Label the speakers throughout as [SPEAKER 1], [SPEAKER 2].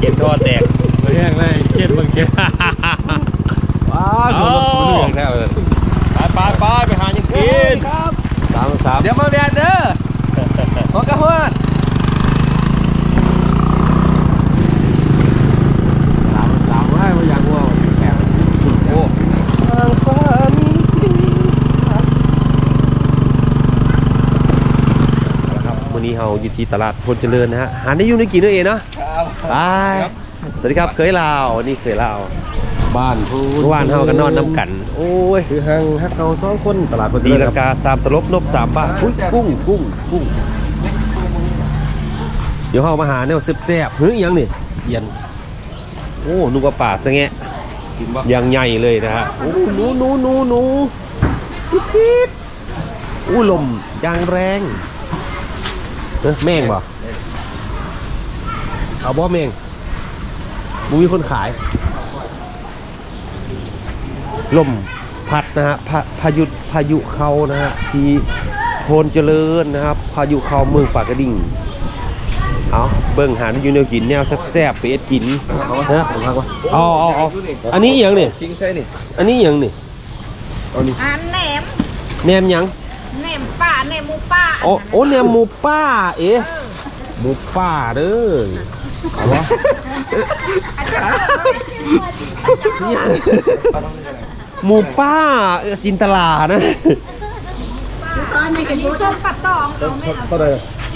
[SPEAKER 1] ข็มทอดแตก
[SPEAKER 2] ไม่แห้งเลยเก็ดบางเก็ดว้าวคนละคนเรื่องแท้เลย
[SPEAKER 1] ไปไปหายังกิน
[SPEAKER 2] สาม
[SPEAKER 3] เดี๋ยวมาแดดเด้อขอกระหัว
[SPEAKER 2] สามไว้มาอย่างวัวแข็งโอ้
[SPEAKER 3] ทางฟ้ามีจริง
[SPEAKER 1] ครับวันนี้เราอยู่ที่ตลาดพลเจริญนะฮะหาได้ยุ่งได้กินด้วยเองเนาะไปสวัสดีครับเคยลาวนี่เคยลาว
[SPEAKER 2] บ้านพู
[SPEAKER 1] เมื่อวานเฮากันนอนน้ำกันโอ้ย
[SPEAKER 2] คือห้างฮักเกาสองคนตลาดพอ
[SPEAKER 1] ดีราคา3ตลบนบ3 บาทอุ้ยกุ้งเดี๋ยวเฮามาหาแนวแซ่บๆเฮ้ยยังนี่เย็นโอ้นึกว่าป่าซะแงะ
[SPEAKER 2] กินบ่
[SPEAKER 1] ยังใหญ่เลยนะฮะโอ้หนูจิ๊ดอู้ลมยางแรงแม่งบ่เอาบ่แม่งมึงมีคนขายลมพัดนะฮะพายุเข้านะฮะที่โพนเจริญนะครับพายุเข้าเมืองปากกระดิ่งเอาเบิ่งหาอยู่แนวกินแนวแซ่บๆไปเอ็ดกินนะเอาอันนี้อย่างนี่
[SPEAKER 3] จริงใช่นี่
[SPEAKER 1] อันนี้อย่างนี่
[SPEAKER 3] เอานี่
[SPEAKER 4] อันแหนม
[SPEAKER 1] แหนมหยัง
[SPEAKER 4] แหนมป่าแหนมหมูป่า
[SPEAKER 1] โอ้แหนมหมูป้าเอ๊ะหมูป้าเด้อเอาวะหมูป้าจินตลานะ
[SPEAKER 4] อันนี้ส้มปัดตองเอาไม่เอา
[SPEAKER 2] เท่าไหร่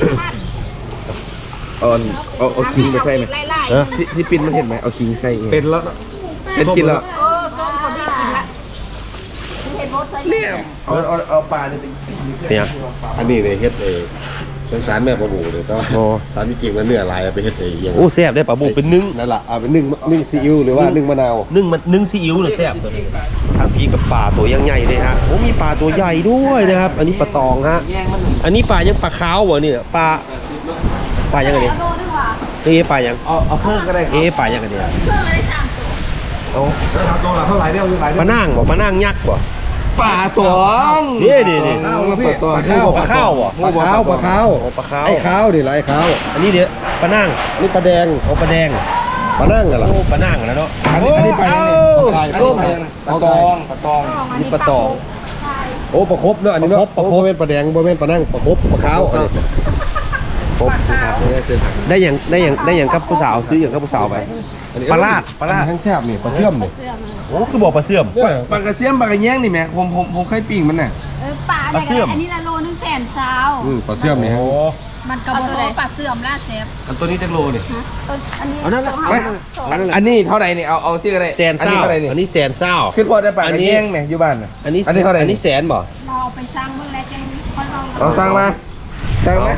[SPEAKER 3] เอาคิงไปใส่ไหม
[SPEAKER 4] ไล่
[SPEAKER 3] ที่ปิ้นมันเห็นไหมเอาคิงใส่เอง
[SPEAKER 2] เป็นแล้ว
[SPEAKER 3] เป็นกินแล้ว
[SPEAKER 4] ส้มคนที่กินละเห็นรสใส่
[SPEAKER 3] เนี่ยเอาปลาเนี่ยเป็นปิ้ง
[SPEAKER 1] เนี่ย
[SPEAKER 2] อันนี้เนี่ยเฮ็ดสงสารแม่ปลาบูเลยต้อง
[SPEAKER 1] โอ้
[SPEAKER 2] ตามที่จริงแล้วเนื้อลายไปเฮ็ดอย่าง
[SPEAKER 1] โอ้แซ่บได้ปลาบุกเป็นนึ่ง
[SPEAKER 2] นั่นแหละเอาไปนึ่งซีอิ๊วหรือว่านึ่งมะนาว
[SPEAKER 1] นึ่งซีอิ๊วเลยแซ่บตัวนี้ทางพีกับปลาตัวยังใหญ่เลยฮะโอ้มีปลาตัวใหญ่ด้วยนะครับ อันนี้ปลาตองฮะ
[SPEAKER 3] แย่งมัน
[SPEAKER 1] อันนี้ปลายังปลาขาวเหรอเนี่ยปลายังไงเนี่ย
[SPEAKER 4] โลนึงว่ะ
[SPEAKER 1] เอ๊ะปลายัง
[SPEAKER 3] เอาเพิ่มก็ได้
[SPEAKER 1] เอ๊ะปลายังไงเนี่ย
[SPEAKER 4] เพิ่มเลย3ตัว
[SPEAKER 2] แล้วทำตัวละเท่าไหร่เนี่ยหลาย
[SPEAKER 1] ปลานั่งบ่ปลานั่งยักษ์บ่
[SPEAKER 3] ปลาตอง
[SPEAKER 1] นี่
[SPEAKER 3] ข้าวปลาตอง
[SPEAKER 1] ปลาข้าวบ่
[SPEAKER 2] ปลาขาวปลาขาว
[SPEAKER 1] โอ้ปลาขาว
[SPEAKER 2] ไอ้ขาวดิไรขาว
[SPEAKER 1] อันนี้เดี๋ยวปลานั่ง
[SPEAKER 2] นี่ปลาแดง
[SPEAKER 1] โอ้ปลาแดง
[SPEAKER 2] ปลานั่งกันเหรอ
[SPEAKER 1] โอ้ปลานั่งแล้วเนาะ
[SPEAKER 3] อันนี้ปลาเนี่ย
[SPEAKER 2] ไก่
[SPEAKER 3] อัน
[SPEAKER 2] ต้
[SPEAKER 3] นี้
[SPEAKER 2] ม
[SPEAKER 3] ปลาเนี่ยปลาตองปลาตอง
[SPEAKER 1] นี่ปลาตอง
[SPEAKER 2] โอ้ปลาครบเนาะอันนี้เนาะ
[SPEAKER 1] ปลาครบ
[SPEAKER 2] โอ้บ่แม่นปลาแดงบ่แม่นปลานั่งปลาครบปลาขาวอันนี้
[SPEAKER 1] ครบนะครับได้อย่างกับผู้สาวซื้ออย่างกับผู้สาวไป ปลาลาด
[SPEAKER 2] ทั้งแซ่บนี่ปลาเชื่อมนี่
[SPEAKER 1] โอ้คือบอกปลาเสื่อม
[SPEAKER 3] ปลากระเสียมปลากระแยงนี่แม่ผมเคยปิ้งมันน่ะ
[SPEAKER 4] ป่า
[SPEAKER 1] ปลาเสื่อม
[SPEAKER 4] อันนี้ละโลนึง100,000
[SPEAKER 2] ปลาเชื่อมนี่ฮะ
[SPEAKER 4] มันก็บ่ปลาเสื่อมล่าเซฟ
[SPEAKER 1] อันตัวนี้จะโลนี่
[SPEAKER 4] อันนี้
[SPEAKER 1] เอานั่นแหละ
[SPEAKER 3] อันนี้เท่าไหร่นี่เอาที่อะไร
[SPEAKER 1] แสน
[SPEAKER 3] อัน
[SPEAKER 1] เศ
[SPEAKER 3] นี้
[SPEAKER 1] ร้า
[SPEAKER 3] เท่าไหร่นี่
[SPEAKER 1] อันนี้แสนเศร้า
[SPEAKER 3] คือพอได้ปลากระแยงไหมอยู่บ้านน่ะ
[SPEAKER 1] อันนี้
[SPEAKER 3] เท่าไหร่
[SPEAKER 1] อันนี้แสนบ่
[SPEAKER 4] เราเอาไปสร้างเมื่อไรจังค่อยลอง
[SPEAKER 3] เอาสร้างมาสร้างไหม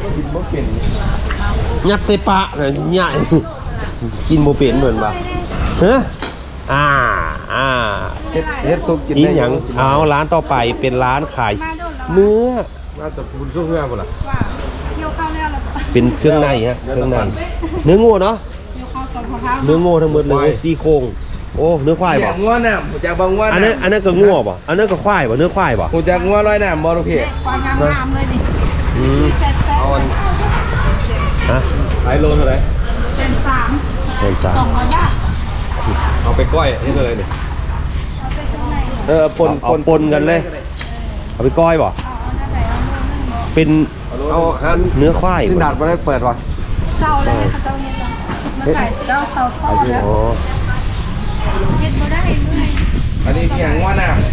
[SPEAKER 1] ยัดใส่ปะเลยใหญ่กินโมเป็นเหมือนป่ะเฮ้
[SPEAKER 3] เฮ็ดซุปกิน
[SPEAKER 1] กิน
[SPEAKER 3] ได้
[SPEAKER 1] อย่างเอาร้านต่อไปเป็นร้านขายเนื้อ
[SPEAKER 2] น่าจะบุญช่วงเงื่อนพุ่นล่ะ
[SPEAKER 4] เกี่ยวข้าวแล้วเรา
[SPEAKER 1] เป็นเครื่องในฮะเครื่องในเนื้องัวเนาะ
[SPEAKER 4] เกี่ยวข้าวตอนเช้า
[SPEAKER 1] เนื้องัวทั้งหมดเลยซี่โครงโอ้เนื้อควาย
[SPEAKER 3] อยา
[SPEAKER 1] ป่ะ
[SPEAKER 3] กงัวน้ำผมจะบางงัว
[SPEAKER 1] อัน
[SPEAKER 3] น้
[SPEAKER 1] นั้นก็งัวป่ะอันนั้นก็ควายป่ะเนื้อควายป่ะ
[SPEAKER 3] ำผมจะงัวร้อยน้ำบอลลูกเพจ
[SPEAKER 4] ความงามเลยดิ
[SPEAKER 1] อืม
[SPEAKER 2] เอาอัน
[SPEAKER 1] ฮะ
[SPEAKER 2] ขายโลเท่าไหร่
[SPEAKER 4] เป็น3
[SPEAKER 1] เป็นสาม
[SPEAKER 4] 200 บาท
[SPEAKER 2] เอาไปก้อยนี่เท่าไหร่นี่
[SPEAKER 4] เอาไปตรงไหน
[SPEAKER 1] เอาปนกันเลยเอาไปก้อยป่ะ
[SPEAKER 4] เอาอันไหนเอาโลนึงบ่
[SPEAKER 1] เป็น
[SPEAKER 2] เอาหัน
[SPEAKER 1] เนื้อควาย
[SPEAKER 2] สินดาดบ่ได้เปิดว่ะ
[SPEAKER 4] เศร้าเลยเขาเจ้าเฮ็ดแล้วขายเจ้าเศร้าทอดแล้ว
[SPEAKER 1] อ๋อ
[SPEAKER 4] เฮ็ดบ่ได้เลย
[SPEAKER 3] อันนี้อย่างงัวน้ำ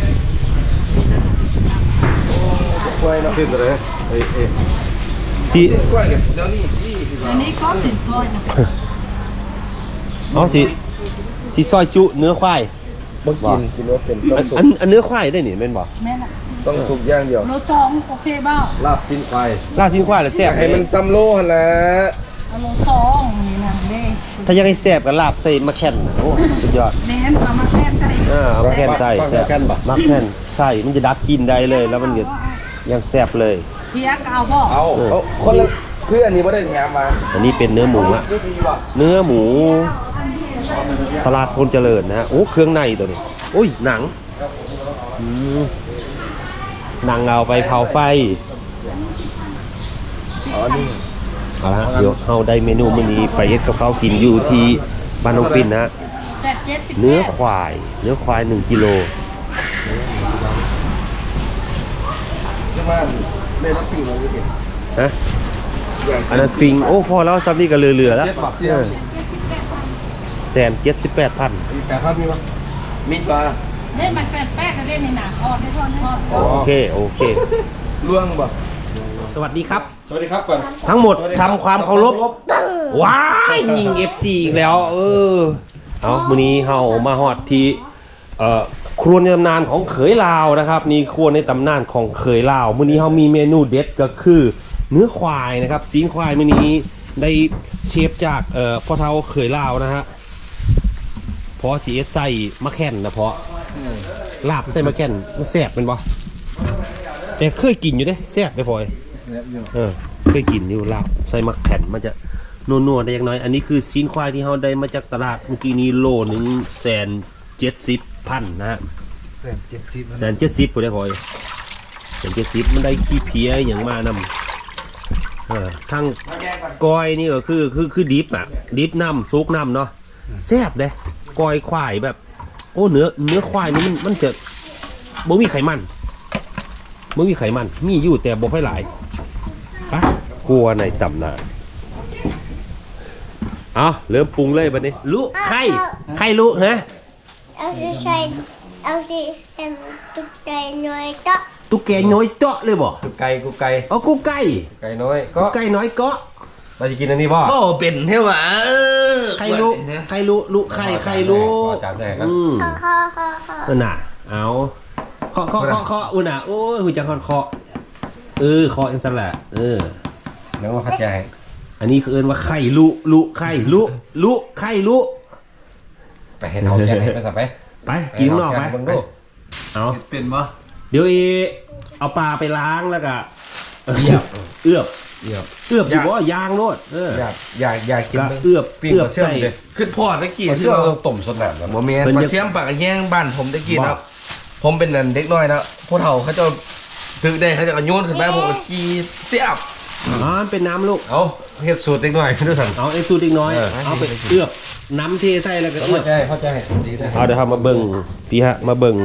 [SPEAKER 2] กล้วยเนาะสิ้นเลยเอ้ย
[SPEAKER 1] สิ
[SPEAKER 3] กล้วยกับเดี๋ยวนี้ที่
[SPEAKER 4] อันนี้ก็สินซอยนะ
[SPEAKER 1] เอาสิซอยจุเนื้อควาย
[SPEAKER 3] บ่กินว่าเป็นต้องสุก
[SPEAKER 1] อันเนื้อควายได้นี่แม่นบ่
[SPEAKER 4] แม่น่ะ
[SPEAKER 3] ต้องสุกอย่างเดียว
[SPEAKER 4] โล2โอเคบ่
[SPEAKER 2] ลาบจิ้นควาย
[SPEAKER 1] ลาบทิ้งควายแล้วแซ่บ
[SPEAKER 3] ให้มันซ้ำโลหั่นแหละ
[SPEAKER 4] เอาโล2นี่นะเด้
[SPEAKER 1] ถ้าอยากให้แซ่บก็ลาบใส่มะแข่นโอ้สุดยอด
[SPEAKER 4] แม่นเอามาแทนใส่
[SPEAKER 1] มะแข่นใส่แซ่บมะแข่นใส่มันจะดับกลินได้เลย แล้วมันจะยังแซ่บเลย
[SPEAKER 4] เพียกเอาบ่
[SPEAKER 3] เอาคนละเพื่อนนี่บ่ได้แถมมา
[SPEAKER 1] อันนี้เป็นเนื้อหมูละเนื้อหมู ตลาดพลเจริญนะฮะโอ้เครื่องในตัวนี้โอ้ยหนังอืมหนังเอาไปเผาไฟ
[SPEAKER 3] อ๋อนี่
[SPEAKER 1] เอาละเดี๋ยวเฮาได้เมนูมื้อนี้ไปเฮ็ดกับข้าวกินอยู่ที่บ้านน้องปิ่นนะฮะเนื้อควาย1กิโล
[SPEAKER 3] จะมาเล่นรถปิงเราจะเห็น
[SPEAKER 1] ฮะอันนั้นปิงโอ้พอแล้วซับนี่ก็เหลือๆแล้ว
[SPEAKER 3] เสียง
[SPEAKER 1] 178,000
[SPEAKER 3] มีแปดครับมีปะมีปลา
[SPEAKER 4] เล่นมันแซ่บแป๊กเล่นในหนังอ่อนให้ทอด
[SPEAKER 1] โอเค
[SPEAKER 3] ล่วงบ่
[SPEAKER 1] สวัสดีครับ
[SPEAKER 2] สวัสดีครับก่อน
[SPEAKER 1] ทั้งหมดทำความเคารพว้ายยิง FC อีกแล้วเอามื้อนี้เฮามาฮอดที่ครัวในตำนานของเขยลาวนะครับนี่ครัวในตำนานของเขยลาวมื้อนี้เฮามีเมนูเด็ดก็คือเนื้อควายนะครับซีนควายมื้อนี้ได้เชฟจากพ่อเฒ่าเขยลาวนะฮะเพราะสิเอสใส่มะแข่นนะเพราะลาบใส่มะแข่นมันแซ่บเป็นบ่แต่เคยกินอยู่เด้แซ่บไปพอยเคยกินอยู่ลาบใส่มะแข่นมันจะนัวๆได้อย่างน้อยอันนี้คือซีนควายที่เฮาได้มาจากตลาดเมื่อกี้นี้โลนึง170,000นะฮะ170ผู้ได้พอย170มันได้ขี้เพี้ยอย่างมานำทั้งก้อยนี่ก็คือดิบอ่ะดิบน้ำซุกน้ำเนาะแซ่บเด้ก้อยควายแบบโอ้เนื้อควายนี่มันจะบ่มีไขมันมีอยู่แต่บ่ค่อยหลายปะครัวในตำนานเอาเริ่มปรุงเลยบัดนี้ลุไข่ลุฮะ
[SPEAKER 5] เอาสิเป็นตุ๊กไก่น้อยก็
[SPEAKER 1] ตุ๊กแกน้อยเจาะเลยบ่
[SPEAKER 3] กูไก่กูไก่
[SPEAKER 1] เอากูไก่
[SPEAKER 2] ไก่น้อยก็
[SPEAKER 1] ไก่น้อยเกาะ
[SPEAKER 2] เราจะกินอันนี้ป่ะ
[SPEAKER 3] โอ้เป็นเท่หวะ
[SPEAKER 1] ไข่ลุไข่ลุ
[SPEAKER 2] จานแจกกัน
[SPEAKER 5] ข้อ
[SPEAKER 1] นั่นน่ะเอาเคาะอุ่นน่ะโอ้ยหูจังเคาะเคาะจังซั่นแหละ
[SPEAKER 2] แล้วมาพัดแจก
[SPEAKER 1] อันนี้คือเอิ้นว่าไข่ลุไข่ลุ
[SPEAKER 2] ไปให้เขาแจกให้ไปสับไป
[SPEAKER 1] ไปกินข้างนอกไปเอา
[SPEAKER 3] เป็นปะ
[SPEAKER 1] เดี๋ยวเอาปลาไปล้างแล้วก็เอือบอยู่ว่ายางโลด
[SPEAKER 3] อยากกิน
[SPEAKER 1] เอือบ
[SPEAKER 2] ปิ้งเชื่อมเลย
[SPEAKER 3] ขึ้นพอตะกี้
[SPEAKER 2] เชื่อมต้มสดหนามแล้ว
[SPEAKER 3] โมเมนต์ปลาเสียมปากแย่งบ้านผมตะกี้นะผมเป็นนั่นเด็กน้อยนะพวกเฒ่าเขาจะถึกได้เขาจะโยนขึ้นมาผมก็กีเสียบ
[SPEAKER 1] เป็นน้ำลูก
[SPEAKER 2] เอาเฮ็ดสูตรเล็กน้อยด้วยสั่ง
[SPEAKER 1] เอาสูตรอีกน้อยเอาไปเอือบน้ำเทใส่แล้วก็เอือบ
[SPEAKER 2] เข้าใจดีนะ
[SPEAKER 1] เอาเดี๋ยวมาเบิ่งพี่ฮะมาเบิ่ง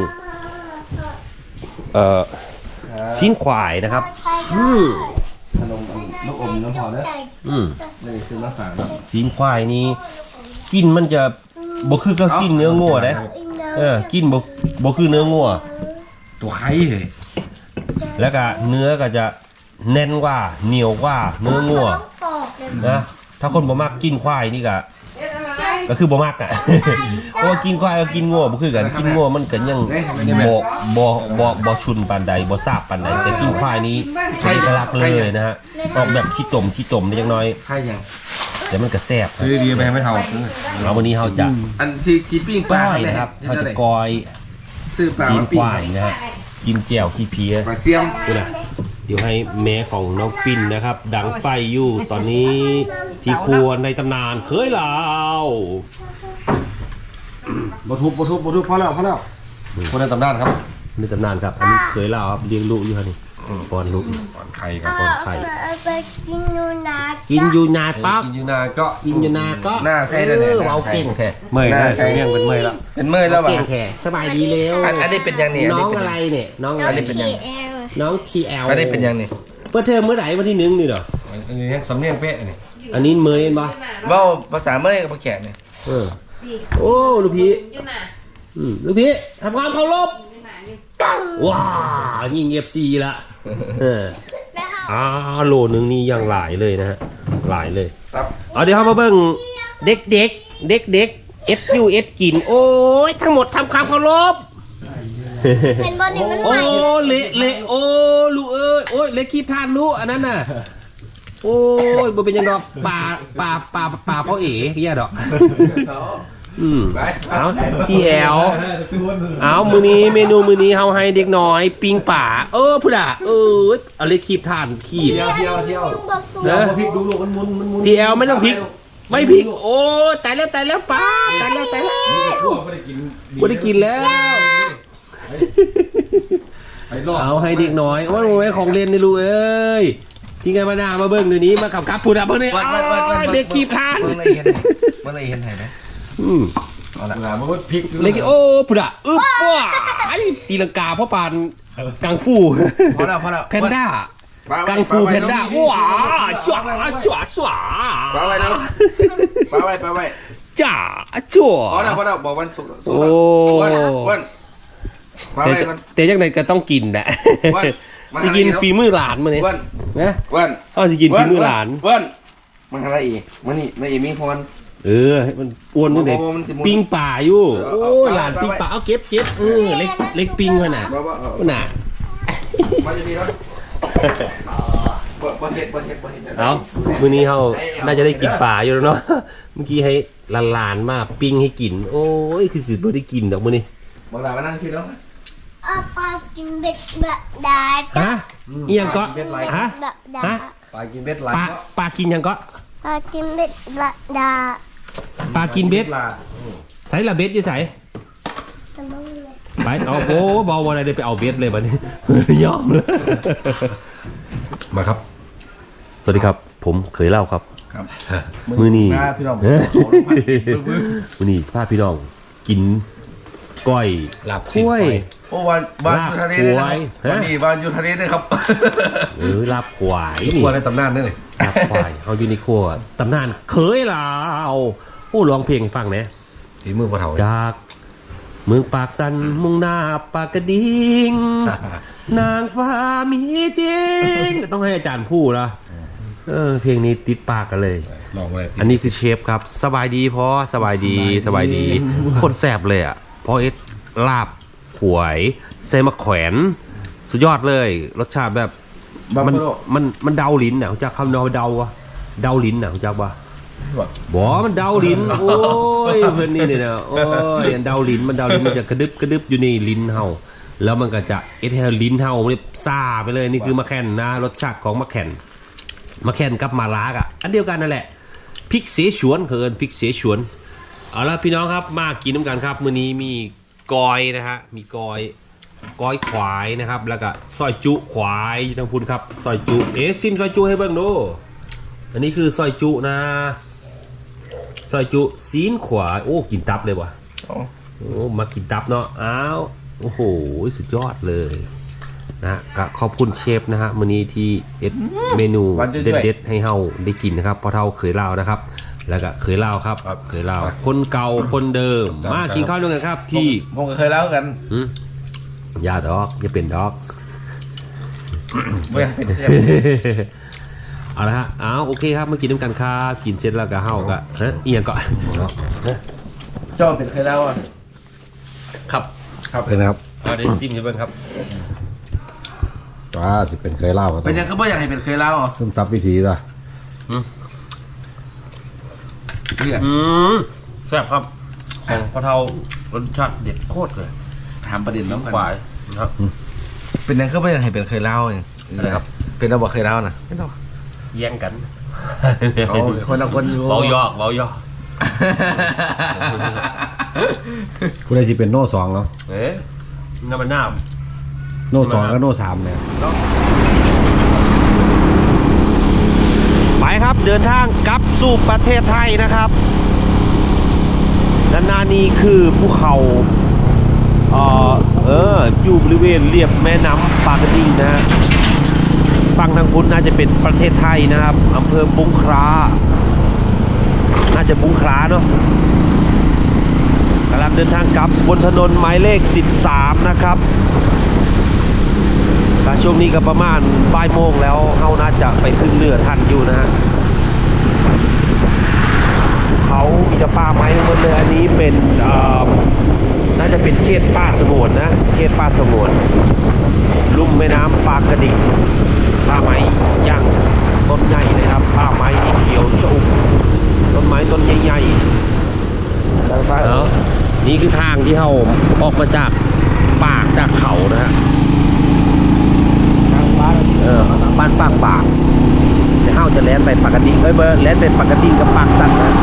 [SPEAKER 1] ชิ้นควายนะครับ
[SPEAKER 3] ขนมลูกอมน้ำพอแล้วนี่คือมะขาม
[SPEAKER 1] ชิ้นควายนี้กินมันจะบ่คือก็กินเนื้องัวเด้กินบ่คือเนื้องัว
[SPEAKER 2] ตัวไข่เลย
[SPEAKER 1] แล้วก็เนื้อก็จะแน่นกว่าเหนียวกว่าเนื้องัวนะถ้าคนบ่มักกินควายนี่ก็คือบ่มักอ่ะ เพราะว่ากินควายก็กินงัวบ่คือกันกินงัวมันก็ยังบ่ชุนปานใดบ่ซาบปานใดแต่กินควายนี้เอกลักษณ์เลยนะฮะออกแบบขี้ต่มได้จังน้อย
[SPEAKER 3] ใครยัง
[SPEAKER 1] แต่มันก็แซ่บ
[SPEAKER 2] คือดีไปไม่เท่า
[SPEAKER 1] เอาวันนี้เราจะ
[SPEAKER 3] อันที่ปิ้งป
[SPEAKER 1] ก้
[SPEAKER 3] ลา
[SPEAKER 1] อยนะครับเราจะกอย
[SPEAKER 3] ซื้อปลา
[SPEAKER 1] ซีน
[SPEAKER 3] มา
[SPEAKER 1] ค
[SPEAKER 3] ปิ้ง
[SPEAKER 1] วายนะฮะกินแจ่วขี้เพี้ย
[SPEAKER 3] ปลาเสียม
[SPEAKER 1] ดูนะเดี๋ยวให้แม่ของน้องปิ่นนะครับ ดังไฟอยู่ตอนนี้ที่ครัวในตำนานเคยลาว
[SPEAKER 2] บทุบพอแล้วคนในตำนานครับ
[SPEAKER 1] ในตำนานครับอันนี้เคยลาวครับเลี้ยงลูกอยู่ฮะนี่ป้อนลูก
[SPEAKER 2] ก่อนไข่ครับ
[SPEAKER 1] ป้อนไข่
[SPEAKER 5] ไปกินนูนา
[SPEAKER 1] กินอยู่นาปั๊บ
[SPEAKER 2] กินยูนาก็
[SPEAKER 1] กินอยู่นาก็
[SPEAKER 3] หน้าใส่ได้เลย
[SPEAKER 1] เอาเก่งแค่
[SPEAKER 2] เมื่อยนะเรื่องเป็นเมื่อยแล้ว
[SPEAKER 3] เป็นเมื่อยแล้ว
[SPEAKER 1] เก่
[SPEAKER 3] วะ
[SPEAKER 1] งแค่สบายดีแล้ว
[SPEAKER 3] อันนี้เป็นยังนี่
[SPEAKER 1] น้องอะไรเนี่ยน้องอะไร
[SPEAKER 3] อันนี้เป็นยัง
[SPEAKER 1] น้องทีแอล
[SPEAKER 3] อันนี้เป็นยังนี่
[SPEAKER 1] เปิดเทอมเมื่อไหร่วันที่1นี่เหรอ
[SPEAKER 2] อันนี้ยังสำเนียงเป๊ะนี่
[SPEAKER 1] อันนี้เมยเห็นปะ
[SPEAKER 3] ว่าภาษาเมื่อยกับภาษาแขกเนี่ย
[SPEAKER 1] โอ้ลูกพี่ลูกพี่ทำความเคารพว้ายิงFC ละโลนึงนี่ยังหลายเลยนะฮะหลายเลย
[SPEAKER 3] ครับ
[SPEAKER 1] เอาเดี๋ยวเรามาเบิ่งเด็กSUS กินโอ้ยทั้งหมดทำความเคารพ
[SPEAKER 5] เป็นบอลนี่มันให
[SPEAKER 1] โอ้
[SPEAKER 5] ม่
[SPEAKER 1] เละโอ้ลูกเอ้ยโอ้ยเละคีบทานลูกอันนั้นน่ะโอ้ยบ่เป็นยังดอกป่าพ่อเอ๋แย่ดอกเอาพี่แอลเอามือนี้เมนูมือนี้เฮาให้เด็กน้อยปิ้งป่าพุ่นอ่ะเอาเละคีบทานคีบ
[SPEAKER 2] เที่ยว
[SPEAKER 1] นะ
[SPEAKER 2] พริกดูลูกมันมุน
[SPEAKER 1] พี่แอลไม่ต้องพริกไม่พริกโอ้ตายแล้วป้าตายแล้ว
[SPEAKER 2] ทั่วไม่ได้กิน
[SPEAKER 1] บ่ได้กินแล้ว
[SPEAKER 2] ไปรอด
[SPEAKER 1] เอาให้เด็กน้อยว่าไว้ของเล่นนี่ลูกเอ้ยที่ไงมาหน้ามาเบิ้งเดี๋ยวนี้มากับพูดอะเบิ้งนี่เด็กขี้พาน
[SPEAKER 3] เมื่อไรเห็นไหนไหมเอาละ
[SPEAKER 2] มันก็พลิก
[SPEAKER 1] เล็กโอ้พูดอะว้าตีลังกาพ่อปานกังฟู
[SPEAKER 3] พอแล้ว
[SPEAKER 1] แพนด้ากังฟูแพนด้าว้าจ๋าจ๋าจ๋า
[SPEAKER 3] ปาไว้แล้วปาไว้
[SPEAKER 1] จ๋าจ๋า
[SPEAKER 3] พอแล้วบอกวันศุกร์
[SPEAKER 1] โอ้
[SPEAKER 3] วันปาไว้มัน
[SPEAKER 1] แต่ยังไงก็ต้องกินแหละจะกินฝีมือหลานมาเนี่ย
[SPEAKER 3] วัน
[SPEAKER 1] นะ
[SPEAKER 3] วัน
[SPEAKER 1] เอาจะกินฝีมือหลาน
[SPEAKER 3] วันมันอะไรอีกมันนี่นายเอมีพร
[SPEAKER 1] มันอ้วนตั้งแต่ปิ้งป่าอยู่โอ้หลานปิ้งป่าเอาเก็บเล็กปิ้งมาน่ะน่ะ
[SPEAKER 3] มาจะดีแล้วบ่เห็ด
[SPEAKER 1] เอามื้อนี้เขาน่าจะได้กินป่าอยู่แล้วเนาะเมื่อกี้ให้หลานมาปิ้งให้กินโอ้ยคือสิบ่ได้กินดอกมื้อนี้
[SPEAKER 3] บอกหลานมานั่งพี่แล้ว
[SPEAKER 5] ปลากินเบ็ดแบบดา
[SPEAKER 1] ฮะอีหยังก็ฮะ
[SPEAKER 5] แบบดา
[SPEAKER 1] ฮะ
[SPEAKER 2] ปลากินเบ็ดไหล
[SPEAKER 1] ปลากินหยังก็
[SPEAKER 5] ปลากินเบ็ดแบบดา
[SPEAKER 1] ปลากินเบ็ดใส่ละเบ็ดอยู่ใส่
[SPEAKER 5] จะไม่เลย
[SPEAKER 1] ไปเอาโอ้เบาอะไรได้ไปเอาเบ็ดเลยบัดนี้ยอมเลยมาครับ สวัสดีครับ ผมเคยเล่าครับ
[SPEAKER 3] ครับ
[SPEAKER 1] มือนี้
[SPEAKER 3] พี่น้อง
[SPEAKER 1] มือนี้พาพี่น้องกินก้อย
[SPEAKER 2] ลาบ
[SPEAKER 1] กล้วย
[SPEAKER 3] โอ้วันยูทะเลเลยครับวันนี้วันยูทะเลเลยครับ
[SPEAKER 1] ลาบควาย
[SPEAKER 2] นี่
[SPEAKER 1] นี่
[SPEAKER 2] ตัวในตำนานนี่เลย
[SPEAKER 1] ลาบควายเอาอยู่ในครัวตำนานเคยเล่าโอ้ร้องเพลงให้ฟังนะ
[SPEAKER 2] ฝีมือพ่อเฒ่า
[SPEAKER 1] จากเมืองปากสันมุ่งหน้าปากกระดิ่งนางฟ้ามีจริงต้องให้อาจารย์พูดนะเพลงนี้ติดปากกันเลย
[SPEAKER 2] ลองเลย
[SPEAKER 1] อันนี้คือเชฟครับสบายดีพอสบายดีคนแสบเลยอ่ะพอเอสลาบขวยเซมะแขวนสุดยอดเลยรสชาติแบบมันเดาลิ้นน่ะจากคำเดาอะเดาลิ้นน่ะจากว่าบ่มันเดาลิ้นโอ้ยเพื่อนนี่เนี่ยนะโอ้ยเดาลิ้นมันจะกระดึบอยู่ในลิ้นเฮาแล้วมันก็จะเอทเฮลิ้นเฮาเนี่ยซ่าไปเลยนี่คือมะแข่นนะรสชาติของมะแข่นกับมาลากอ่ะอันเดียวกันนั่นแหละพริกเสฉวนเคินพริกเสฉวนเอาละพี่น้องครับมากินน้ำกันครับมื้อนี้มีกอยนะฮะมีกอยขวายนะครับแล้วก็ซอยจุขวายทั้งพุนครับซอยจุซิมซอยจุให้เบิ่งดูอันนี้คือซอยจุนะซอยจุซีนขวายโอ้กินตับเลยว่ะโอ้มากินตับเนาะอ้าวโอ้โหสุดยอดเลยนะก็ขอบคุณเชฟนะฮะมื้อนี้ที่เอ็ดเมนูเด็ดๆให้เฮาได้กินนะครับเพราะเฮาเคยเล่านะครับแล้วก็เคยเล่าครับเคยเล่าคนเก่าคนเดิมมากินข้าวด้วยกันครับที่
[SPEAKER 3] ผมก็เคยเล่ากัน
[SPEAKER 1] อย่าดอกอย่าเป็นดอก
[SPEAKER 3] ไม่อยากเป็นเชฟ
[SPEAKER 1] เอาละฮะโอเคครับมากินน้ำกันครับกินเสร็จแล้วก็เฮาก็เอียงก่อน
[SPEAKER 3] เจ้าเป็นเคยเล่าอ่ะ
[SPEAKER 1] ครับ
[SPEAKER 2] เป็นนะครับ
[SPEAKER 1] เอาได้ซิมกันบ้างครับ
[SPEAKER 2] ว่าสิเป็นเคยเล่า
[SPEAKER 3] เป็นยังก็ไม่อยากให้เป็นเคยเล่าอ่ะ
[SPEAKER 2] ซึมซับวิธีป่ะ
[SPEAKER 3] เนี่ย
[SPEAKER 1] แซ่บครับของพ่อเฒ่ารสชาติเด็ดโคตรเลย
[SPEAKER 3] ถามประเด็นน้องกัน
[SPEAKER 1] หวายครับ
[SPEAKER 3] เป็นยังก็ไม่อยากให้เป็นเคยเล่าเองนะครับเป็นเราบอกเคยเล่านะไม่ต้อง
[SPEAKER 1] แย่งกัน
[SPEAKER 3] เอาคนละคนอยู่
[SPEAKER 1] เบายอก
[SPEAKER 2] ผู้ใดที่เป็นโน่สองเนาะ
[SPEAKER 1] น้ำมันน้
[SPEAKER 2] โน่สองกับโน่สามเนี่ย
[SPEAKER 1] ำไปครับเดินทางกลับสู่ประเทศไทยนะครับด้านหน้านี้คือภูเขาอยู่บริเวณเรียบแม่น้ำปากกระดิ่งนะฮะฝั่งทางพุ้นน่าจะเป็นประเทศไทยนะครับอำเภอบุงคล้าน่าจะบุงคล้าเนาะกำลังเดินทางกลับบนถนนหมายเลข13นะครับช่วงนี้ก็ประมาณบ่ายโมงแล้วเฮาน่าจะไปขึ้นเรือทันอยู่นะฮะเขามีแต่ป่าไม้ทั้งหมดเลยอันนี้เป็นน่าจะเป็นเขตป่าสงวนนะเขตป่าสงวนลุ่มแม่น้ำปากกระดิ่งป่าไม้ย่างต้นใหญ่นะครับป่าไม้ที่เขียวชอุ่มต้นไม้ต้นใหญ่ๆนี่คือทางที่เราออกมาจากปากจากเขานะฮะบ้านปากจะเข้าจะแล่นไปปากกระดิ่งแล่นไปปากกระดิ่งกับปากสันนะ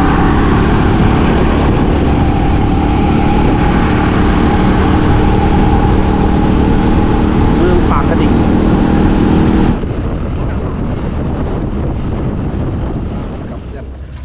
[SPEAKER 1] เมืองปากกระดิ่ง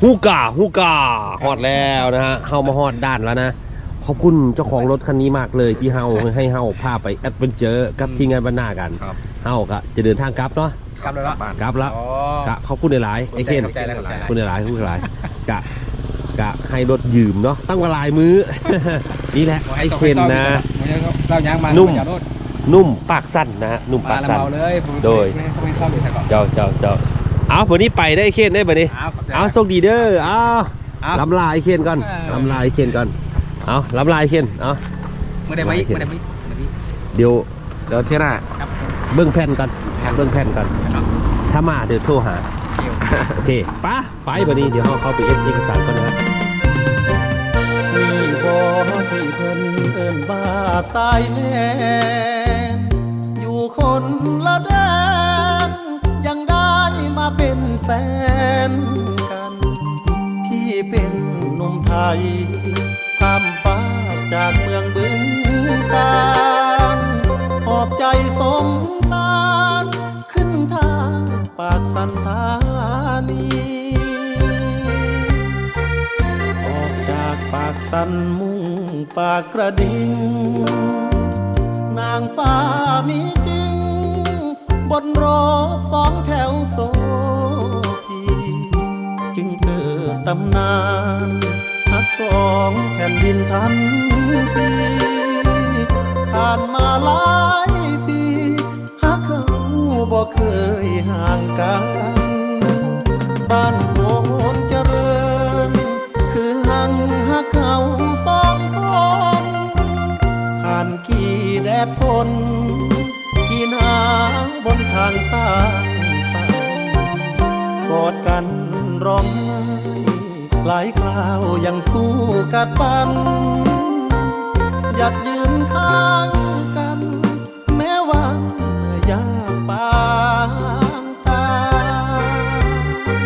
[SPEAKER 1] ฮูกาฮอดแล้วนะฮะเฮามาฮอดด้านแล้วนะขอบคุณเจ้าของรถคันนี้มากเลยที่เฮาให้เฮาพาไปแอดเวนเจอร์กับทีมงานบรรณากันเฮาก็จะเดินทางกลับเนาะ
[SPEAKER 3] กลับเลยละ
[SPEAKER 1] กลับแล้วกะขอบคุณหลายๆไอ้เคน
[SPEAKER 3] ขอบใจแล้ว
[SPEAKER 1] ขอบคุณหลายๆขอบคุณหลายกะให้รถยืมเนาะตั้งเวลามื้อ นี่แหละไอ้เคนนะ
[SPEAKER 2] เรายางมา
[SPEAKER 1] นุ่มปากสั้นนะฮะนุ่มปากสั้น
[SPEAKER 2] เลย
[SPEAKER 1] โดย
[SPEAKER 2] ไม่ชอบเลยก่อน
[SPEAKER 1] เจ้าเอาวันนี้ไปได้ไอ้เคนได้บัดนี้เอาโชคดีเด้อเอาลำลาไอ้เคนก่อนลำลาไอ้เคนก่อนเอาลำลาไอ้เคนเอา
[SPEAKER 2] เมื่อใดไม่
[SPEAKER 1] เดี๋ยว
[SPEAKER 3] เที่ยหน้า
[SPEAKER 1] เบิ่งแผ่นก่อนเบิ่งแผ่นก่อนถ้ามาเดี๋ยวโทรหาโอเคไปบัดนี้เดี๋ยวเราเข้าไปเอกสารก่อนนะครับ
[SPEAKER 6] มีบ่ที่เพิ่นเอิ้นว่าสายแน่อยู่คนละแดนยังได้มาเป็นแฟนกันพี่เป็นหนุ่มไทยข้ามฟ้าจากเมืองบึงกาฬหอบใจสงสารขึ้นทางปากสันธานีออกจากปากสันมุ่งปากกระดิ่งนางฟ้ามีจริงบนรถสองแถวโซพีจึงเกิดตำนานฮักสองแผ่นดินทันทีผ่านมาหลายปีฮักเขาบ่เคยห่างกันบ้านโพนเจริญคือหังฮักเขาสองคนผ่านกี่แดดฝนกี่หนาวบนทางสร้างฝันกอดกันร้องไห้หลายคราวยังสู้กัดฟันอยากยืนข้าง